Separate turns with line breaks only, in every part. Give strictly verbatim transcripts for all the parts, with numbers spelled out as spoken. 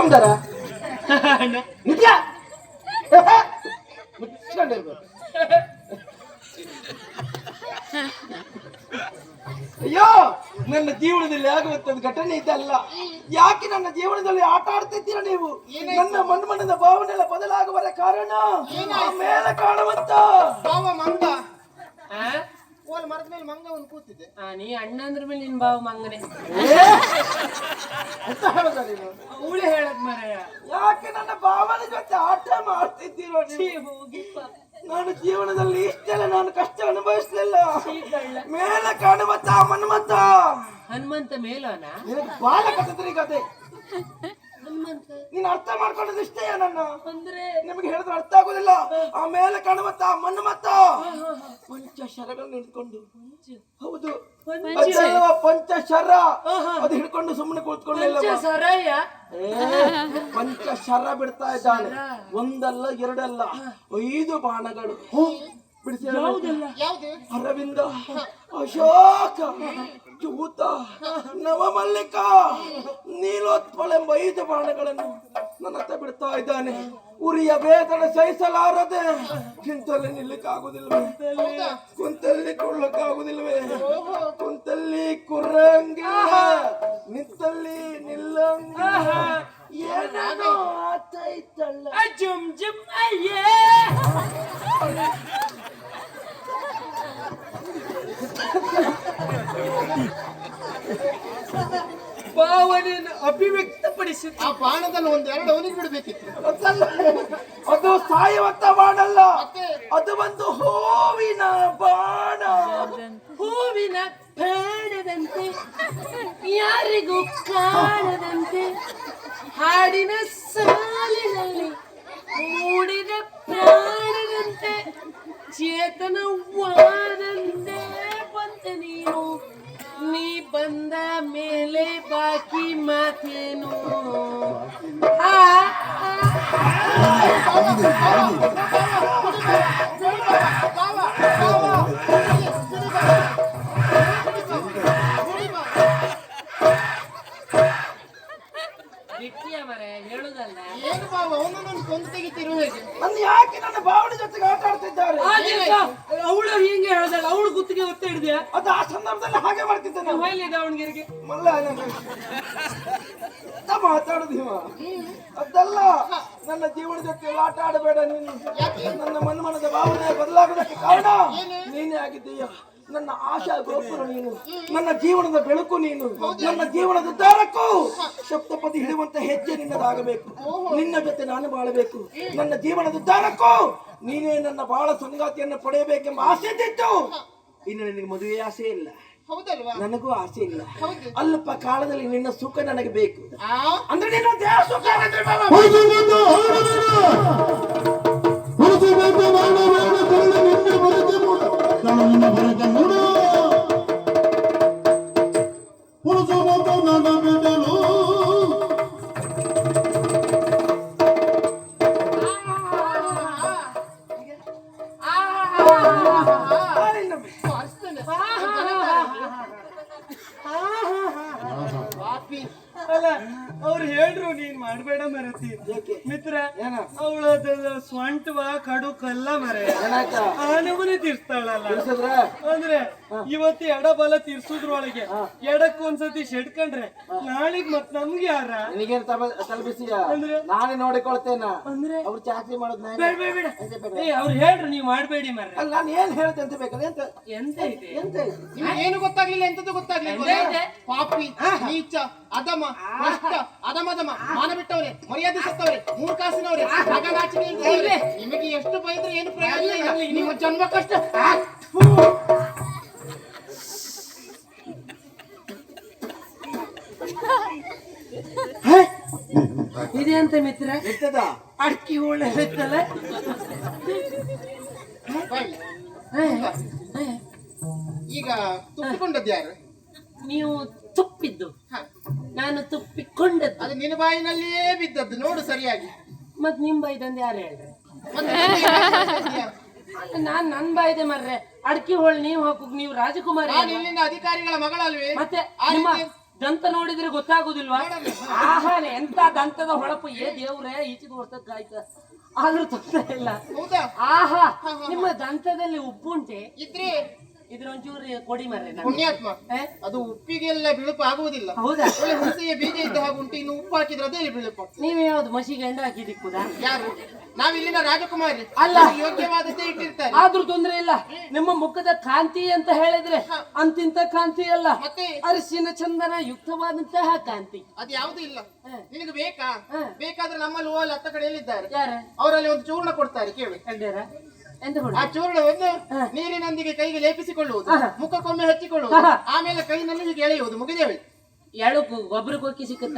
ತಗೊಂಡಾರ ನಿಜ ಮುಚ್ಕೊಂಡಿರ್ಬೇಕು. ಅಯ್ಯೋ, ನನ್ನ ಜೀವನದಲ್ಲಿ ಆಗುವಂತದ್ದು ಘಟನೆ ಇದಲ್ಲ. ಯಾಕೆ ನನ್ನ ಜೀವನದಲ್ಲಿ ಆಟ ಆಡ್ತಿದ್ದೀರ ನೀವು? ನನ್ನ ಮನ್ಮನದ ಭಾವನೆಲ್ಲ ಬದಲಾಗುವ ಕಾರಣ ಮೇಲೆ ಕಾಣುವಂತ
ಭಾವ ಮಂಗ. ಓಲ್ ಮರದ ಮೇಲೆ ಮಂಗ ಒಂದು ಕೂತಿದೆ.
ನೀ ಅಣ್ಣ ಅಂದ್ರ ಮೇಲೆ ನಿನ್ ಬಾವ ಮಂಗನೆ ಅವಳು ಹೇಳದ್ ಮರಯ್ಯ.
ಯಾಕೆ ನನ್ನ ಭಾವನೆ ಜೊತೆ ಆಟ ಮಾಡ್ತಿದ್ದೀರೋ ನೀವು? ನಾನು ಜೀವನದಲ್ಲಿ ಇಷ್ಟೆಲ್ಲ ನಾನು ಕಷ್ಟ ಅನುಭವಿಸಲಿಲ್ಲ. ಮೇಲೆ ಕಾಣುವಂತ ಹನುಮಂತ
ಹನುಮಂತ ಮೇಲೋನ
ಬಾಲ ಕಥೆ ಕತೆ
ಹನುಮಂತ
ನೀನ್ ಅರ್ಥ ಮಾಡ್ಕೊಳ್ಳೋದು ಇಷ್ಟೇ. ನನ್ನ
ಅಂದ್ರೆ
ನಿಮಗೆ ಹೇಳಿದ್ರೆ ಅರ್ಥ ಆಗುದಿಲ್ಲ. ಆ ಮೇಲೆ ಕಾಣುವಂತ ಹನುಮಂತ ಪಂಚಶರಗಳನ್ನು ಹಿಡ್ಕೊಂಡು, ಹೌದು ಪಂಚಶರ ಅದು ಹಿಡ್ಕೊಂಡು ಸುಮ್ಮನೆ ಕೂತ್ಕೊಂಡಿಲ್ಲ, ಪಂಚಶರ ಬಿಡ್ತಾ ಇದ್ದಾನೆ. ಒಂದಲ್ಲ ಎರಡಲ್ಲ ಐದು ಬಾಣಗಳು ಬಿಡಿಸಿ. ಅರವಿಂದ, ಅಶೋಕ, ಚೂತ, ನವಮಲ್ಲಿಕ, ನೀಲೋತ್ಪಲ ಎಂಬ ಐದು ಬಾಣಗಳನ್ನು ನನ್ನ ಹತ್ರ ಬಿಡ್ತಾ ಇದ್ದಾನೆ. ಉರಿಯ ವೇದನೆ ಸಹಿಸಲಾರದೆ ನಿಂತಲ್ಲಿ ನಿಲ್ಲಕ್ಕಾಗುದಿಲ್ವೇ? ಕುಂತಲ್ಲಿ ಕೊಳ್ಳಕ್ಕಾಗುದಿಲ್ವೇ? ಕುಂತಲ್ಲಿ ಕುರ್ರಂಗಿಲ್ಲ, ನಿಂತಲ್ಲಿ ನಿಲ್ಲಂಗಿಲ್ಲ. ಏನೋ ಆತೈತಲ್ಲ
ಜುಮ್ ಜುಮ್ ಅಯ್ಯೇ. ಭಾವನೆಯನ್ನು ಅಭಿವ್ಯಕ್ತಪಡಿಸಿ
ಆ ಬಾಣದಲ್ಲಿ ಒಂದೆರಡು ಅವನಿಗೆ ಬಿಡಬೇಕಿತ್ತು.
ಅದು ಸಾಯುವಂತ ಬಾಣಲ್ಲ, ಅದು ಒಂದು ಹೂವಿನ ಬಾಣ.
ಹೂವಿನ ಬಾಣದಂತೆ ಯಾರಿಗೂ ಕಾಣದಂತೆ ಹಾಡಿನ ಸಾಲಿನಲ್ಲಿ ಮೂಡಿದ ಪ್ರಾಣದಂತೆ ಚೇತನವಾದಂತೆ ಬಂತೆ ನೀನು. ನೀ ಬಂದ ಮೇಲೆ ಬಾಕಿ ಮಾತೇನು? ಹೇಳುದಲ್ಲ
ಏನು ಬಾವ ಅವನನ್ನು ಕೊಂದು ತೆಗಿತಿರು ಹೇಗೆ?
ನನ್ನ ಯಾಕೆ ನನ್ನ ಭಾವನೆ ಜೊತೆಗೆ ಆಟ ಆಡ್ತಿದ್ದಾರೆ?
ಅವಳು ಹಿಂಗೆ ಹೇಳ್ದಲ್ಲ, ಅವಳು ಗುತ್ತಿಗೆ ಒತ್ತೆ ಹಿಡಿದ್ಯಾ?
ಅದು ಆ ಸಂದರ್ಭದಲ್ಲಿ ಹಾಗೆ ಮಾಡ್ತಿದ್ದಾನೆ.
ಹೋಯ್ಲಿ ದಾವಣಗೆರೆಗೆ
ಮಲ್ಲ ಮಾತಾಡುದು ಇವ. ಅದಲ್ಲ, ನನ್ನ ಜೀವನ ಜೊತೆ ಆಟ ಆಡಬೇಡ ನೀನು. ನನ್ನ ಮನ್ಮನದ ಭಾವನೆ ಬದಲಾಗೋದಕ್ಕೆ ಕಾರಣ ನೀನೇ ಆಗಿದ್ದೀಯ. ನನ್ನ ಆಶಾ ಗೋಪುರ ನೀನು, ನನ್ನ ಜೀವನದ ಬೆಳಕು ನೀನು, ನನ್ನ ಜೀವನದ ಉದ್ಧಾರಕ್ಕೂ ಸಪ್ತಪದಿ ಹಿಡಿಯುವಂತ ಹೆಜ್ಜೆ ನಿನ್ನದಾಗಬೇಕು. ನಿನ್ನ ಜೊತೆ ನಾನು ಬಾಳಬೇಕು. ನನ್ನ ಜೀವನದ ಉದ್ಧಾರಕ್ಕೂ ನೀನೇ ನನ್ನ ಬಾಳ ಸಂಗಾತಿಯನ್ನು ಪಡೆಯಬೇಕೆಂಬ ಆಸೆ ಇದ್ದಿತ್ತು. ಇನ್ನು ನಿನಗೆ ಮದುವೆ ಆಸೆ ಇಲ್ಲ, ನನಗೂ ಆಸೆ ಇಲ್ಲ. ಅಲ್ಪ ಕಾಲದಲ್ಲಿ ನಿನ್ನ ಸುಖ ನನಗೆ ಬೇಕು. ಅಂದ್ರೆ ನಿನ್ನ ದೇಹ ಸುಖ
ಅಲ್ಲ ಅವ್ರು ಹೇಳ್ರು ನೀನ್ ಮಾಡ್ಬೇಡ ಮರತಿ ಮಿತ್ರ. ಅವಳ ಸ್ವಂಟವ ಕಡು ಕಲ್ಲ ಮರ ಆ ನಮೂನೆ ತೀರ್ಸ್ತಾಳಲ್ಲ. ಅಂದ್ರೆ ಇವತ್ತು ಎಡ ಬಲ ತೀರ್ಸುದ್ರೊಳಗೆ ಎಡಕ್ ಒಂದ್ಸತಿ ಶೆಡ್ಕೊಂಡ್ರೆ ನಾಳಿಗ್ ಮತ್ ನಮ್ಗೆ ಯಾರ
ನಿನಗೇನು ತಲುಪಿಸಿ ನಾನೇ ನೋಡಿಕೊಳ್ತೇನ. ಅಂದ್ರೆ ಅವ್ರು ಚಾಕರಿ ಮಾಡೋದ್
ಅವ್ರು ಹೇಳ್ರು ನೀವ್ ಮಾಡ್ಬೇಡಿ ಮರ.
ನಾನು ಏನ್ ಹೇಳ್ತೆ ಅಂತ ಬೇಕಾದ್ರೆ ಎಂತ
ಎಂತ ಇದೆ
ಎಂತ
ಏನು ಗೊತ್ತಾಗ್ಲಿಲ್ಲ, ಎಂತದ್ದು ಗೊತ್ತಾಗ್ಲಿಲ್ಲ. ಪಾಪಿ, ನೀಚ, ಅಧಮ, ಭ್ರಷ್ಟ, ಅಧಮಧಮ, ಮಾನ ಬಿಟ್ಟವ್ರೆ, ಮರ್ಯಾದೆ ಸತ್ತವ್ರೆ, ಮೂರ್ ಕಾಸಿನವ್ರೆ, ನಾಚಿಕೆ ಇಲ್ದವ್ರೆ. ನಿಮಗೆ ಎಷ್ಟು ಬೈದ್ರೆ ಏನು ಪ್ರಯೋಜನ ಇಲ್ಲ. ನಿಮ್ಮ ಜನ್ಮ ಕಷ್ಟ.
ಇದೆ ಅಂತ ಮಿತ್ರ.
ಇರ್ತದ
ಅಡ್ಕಿ ಹೋಳೆ ಇರ್ತಲ್ಲ.
ಈಗ ತುಪ್ಪಿಕೊಂಡದ್ದು ಯಾರು?
ನೀವು ತುಪ್ಪಿದ್ದು, ನಾನು ತುಪ್ಪಿಕೊಂಡದ್ದು.
ಅದು ನಿನ್ನ ಬಾಯಿನಲ್ಲಿಯೇ ಬಿದ್ದದ್ದು ನೋಡು ಸರಿಯಾಗಿ.
ಮತ್ ನಿಮ್ ಬಾಯ್ದಂದು ಯಾರು ಹೇಳ್ರಿ? ನಾನ್ ನನ್ ಬಾಯ್ದೆ ಮರ್ರೆ. ಅಡ್ಕಿ ಹೋಳ್ ನೀವ್ ಹಾಕುಕ್ ನೀವು ರಾಜಕುಮಾರಿ,
ಇಲ್ಲಿನ ಅಧಿಕಾರಿಗಳ ಮಗಳಲ್ವೇ?
ಮತ್ತೆ
ದಂತ ನೋಡಿದ್ರೆ ಗೊತ್ತಾಗುದಿಲ್ವಾ? ಆಹಾ ಎಂತ ದಂತದ ಹೊಳಪು, ಏ ದೇವ್ರೆ ಈಚಿಗೆ ವರ್ಷಕ್ಕಾಯ್ತ ಆದ್ರೂ ತೊಂದರೆ ಇಲ್ಲ.
ಹೌದಾ?
ಆಹಾ ನಿಮ್ಮ ದಂತದಲ್ಲಿ ಉಪ್ಪುಂಟೆ
ಇದ್ರೆ
ಇದ್ರ ಒಂಚೂರು ಕೊಡಿ ಮರ್ರೆ ನಂಗೆ.
ಪುಣ್ಯಾತ್ಮ,
ಏ?
ಅದು ಉಪ್ಪಿಗೆಲ್ಲ ಬಿಳುಪು ಆಗುವುದಿಲ್ಲ.
ಹೌದಾ?
ಒಳ್ಳೆ ಹುಣಸೆಯ ಬೀಜ ಇದ್ದ ಹಾಗೆ ಉಂಟು, ಇನ್ನು ಉಪ್ಪು ಹಾಕಿದ್ರೆ ಅದೇ ಬಿಳುಪು.
ನೀವ್ ಯಾವ್ದು ಮಸಿಗೆ ಎಂಡ ಹಾಕಿ ದಿಕ್ಕುದಾ?
ಯಾರು? ನಾವಿಲ್ಲಿನ ರಾಜಕುಮಾರಿ
ಅಲ್ಲ.
ಯೋಗ್ಯವಾದದ್ದೇ ಇಟ್ಟಿರ್ತಾರೆ.
ಆದ್ರೂ ತೊಂದ್ರೆ ಇಲ್ಲ. ನಿಮ್ಮ ಮುಖದ ಕಾಂತಿ ಅಂತ ಹೇಳಿದ್ರೆ ಅಂತಿಂತ ಕಾಂತಿ ಅಲ್ಲ,
ಮತ್ತೆ
ಅರಿಶಿನ ಚಂದನ ಯುಕ್ತವಾದಂತಹ ಕಾಂತಿ.
ಅದು ಯಾವ್ದು ಇಲ್ಲ.
ಹ.
ನಿನಗೆ ಬೇಕಾ?
ಹ.
ಬೇಕಾದ್ರೆ ನಮ್ಮಲ್ಲಿ ಓಲ್ ಹತ್ತ ಕಡೆಯಲ್ಲಿದ್ದಾರೆ,
ಯಾರ
ಅವರಲ್ಲಿ ಒಂದು ಚೂರ್ಣ ಕೊಡ್ತಾರೆ, ಕೇಳಿ.
ಎಡ್ಡೇರ ಎಂತ ಕೊಡು?
ಆ ಚೂರ್ಣವನ್ನು
ಹ.
ನೀರಿನೊಂದಿಗೆ ಕೈಗೆ ಲೇಪಿಸಿಕೊಳ್ಳುವುದು,
ಹ.
ಮುಖಕ್ಕೊಮ್ಮೆ ಹಚ್ಚಿಕೊಳ್ಳುವುದು,
ಹ.
ಆಮೇಲೆ ಕೈನಲ್ಲಿ ಹೀಗೆ ಎಳೆಯುವುದು, ಮುಗಿದೇವೆ.
ಎಳು ಗೊಬ್ಬರ ಕೊಕ್ಕಿ ಸಿಕ್ಕುತ್ತ?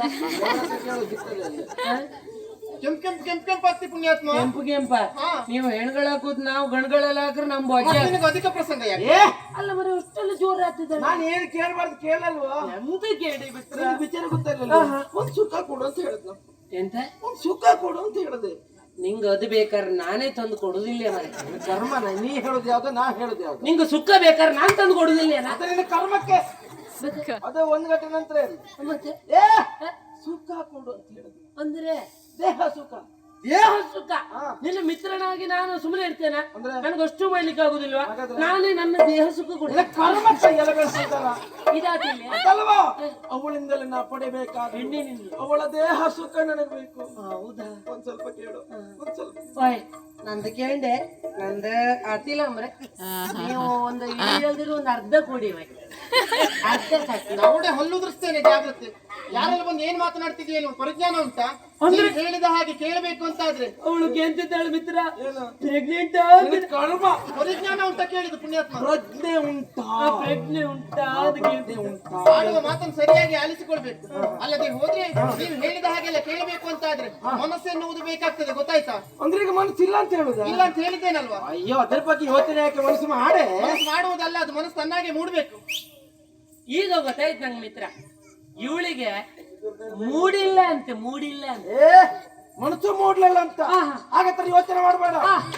ಕೆಂಪ್ ಕೆಂಪ್ ಕೆಂಪ್ ಕೆಂಪ್ ಆಗ್ತಿ ಪುಣ್ಯಾತ್ಮ.
ಕೆಂಪು ಕೆಂಪ
ಹಾ.
ನೀವು ಹೆಣ್ಗಳ ಹಾಕುದ್ ನಾವು ಗಣಗಳೆಲ್ಲ ಹಾಕ್ರೆ ನಮ್ ಬೊಜ್ಜ.
ಮತ್ತೆ ನಿನಗೆ ಅಧಿಕ ಪ್ರಸಂಗ ಯಾಕೆ?
ಏ
ಅಲ್ಲ ಮರ ಅಷ್ಟೆಲ್ಲ ಜೋರ್ ಆಗ್ತಿದ್ದಾರೆ.
ನಾನು ಏನು ಕೇಳಬಾರ್ದು ಕೇಳಲ್ವಾ?
ಎಂತ ಕೇಳಿ ಬಿಟ್ರ?
ನಿನಗೆ ವಿಚಾರ ಗೊತ್ತಾಗಲ್ಲ. ಒಂದ್ ಸುಖ ಕೊಡು ಅಂತ ಹೇಳಿದ್ನು.
ಎಂತ
ಒಂದ್ ಸುಖ ಕೊಡು ಅಂತ ಹೇಳಿದೆ.
ನಿಂಗ ಅದು ಬೇಕಾದ್ರೆ ನಾನೇ ತಂದು ಕೊಡುದಿಲ್ಲ ಮರೆ.
ಕರ್ಮನ ನೀ ಹೇಳುದು ಯಾವ್ದು, ನಾ ಹೇಳುದು ಯಾವ್ದು?
ನಿಂಗ ಸುಕ್ಕ ಬೇಕಾದ್ರೆ ನಾನ್ ತಂದು ಕೊಡುದಿಲ್ಲ.
ಅದ ನಿನ್ನ ಕರ್ಮಕ್ಕೆ ಅದೇ ಒಂದ್ ಗಂಟೆ ನಂತರ ಇರ್ಲಿ.
ಮತ್ತೆ
ಏ ಸುಖ ಕೊಡು ಅಂತ ಹೇಳಿದ್ರು.
ಅಂದ್ರೆ
ದೇಹ ಸುಖ.
ದೇಹ ಸುಖ.
ಹಾ.
ನಿನ್ನ ಮಿತ್ರನಾಗಿ ನಾನು ಸುಮ್ಮನೆ ಇರ್ತೇನೆ?
ಅಂದ್ರೆ?
ನನಗಷ್ಟು ಮಾಡ್ಲಿಕ್ಕೆ ಆಗುದಿಲ್ವಾ?
ಹಾಗಾದ್ರೆ?
ನಾನೇ ನನ್ನ ದೇಹ ಸುಖ ಕೊಡ.
ನಿನ್ನ ಕರ್ಮಕ್ಕೆ ಎಲ್ಲ ಬೆಳೆಸಿದ್ದಾರ
ಇದಾತಿಲ್ಲ
ಅದಲ್ವಾ? ಅವಳಿಂದಲೇ ನಾ ಪಡಿಬೇಕಾದ
ಹೆಣ್ಣಿನಿಂದ.
ಅವಳ ದೇಹ ಸುಖ ನನಗೆ ಬೇಕು.
ಹೌದಾ?
ಒಂದ್ ಸ್ವಲ್ಪ ಕೇಳು, ಒಂದ್ ಸ್ವಲ್ಪ.
ಓಯ್ ನಂದು ಕೇಂಡೆ ನಂದು ಆತಿಲ್ಲ ಅಂದ್ರೆ ನೀವು ಒಂದು ಇಳಿಯಲ್ದಿರೋ ಒಂದು ಅರ್ಧ ಕೊಡಿ ಓಯ್. ಅರ್ಧ ಸಾಕಿ.
ನೌಡೆ ಹಲ್ಲುದ್ರಿಸ್ತೇನೆ, ಜಾಗ್ರತೆ. ಯಾರೆಲ್ಲ ಬಂದು ಏನ್ ಮಾತನಾಡ್ತಿದೀಯ? ನೀವು ಪರಿಜ್ಞಾನ ಉಂಟಾ? ನೀನು ಹೇಳಿದ ಹಾಗೆ ಕೇಳಬೇಕು ಅಂತ ಆದ್ರೆ
ಅವಳು ಕೇಂತಿದ್ದಾಳೆ ಮಿತ್ರ, ಪ್ರೆಗ್ನೆಂಟ್
ನಿನ್ನ ಕರ್ಮ.
ಪರಿಜ್ಞಾನ ಉಂಟಾ ಕೇಳಿದ್ದು ಪುಣ್ಯಾತ್ಮ?
ಪ್ರಜ್ಞೆ ಉಂಟಾ?
ಪ್ರಜ್ಞೆ ಉಂಟಾ? ಅದು ಕೇಳ್ತೆ ಉಂಟಾ?
ಆಡುವ ಮಾತನ್ನು ಸರಿಯಾಗಿ ಆಲಿಸಿಕೊಳ್ಬೇಕು. ಅಲ್ಲದೆ ಹೋದ್ರೆ ನೀವು ಹೇಳಿದ ಹಾಗೆಲ್ಲ ಕೇಳಬೇಕು ಅಂತ ಆದ್ರೆ ಮನಸ್ಸೆನ್ನುವುದು ಬೇಕಾಗ್ತದೆ, ಗೊತ್ತಾಯ್ತಾ?
ಅಂದ್ರೆ ಈಗ ಮನಸ್ಸಿಲ್ಲ ಅಂತ ಹೇಳುದ?
ಇಲ್ಲ ಅಂತ ಹೇಳಿದ್ದೇನಲ್ವಾ?
ಅಯ್ಯೋ ಅದ್ರ ಬಗ್ಗೆ ಯೋಚನೆ ಯಾಕೆ? ಮನಸ್ಸು ಮಾಡೆ.
ಮನಸ್ಸು ಮಾಡುವುದಲ್ಲ, ಅದು ಮನಸ್ಸು ತನ್ನಾಗೆ ಮೂಡ್ಬೇಕು.
ಈಗ ಗೊತ್ತಾಯ್ತು ನಂಗೆ ಮಿತ್ರ, ಇವಳಿಗೆ ಮೂಡಿಲ್ಲ ಅಂತೆ, ಮೂಡಿಲ್ಲ ಅಂತ.
ಏ ಮನಸ್ಸು ಮೂಡ್ಲಿಲ್ಲ ಅಂತ
ಆಹಾ.
ಹಾಗಾದ್ರೆ ಯೋಚನೆ ಮಾಡಬೇಡ.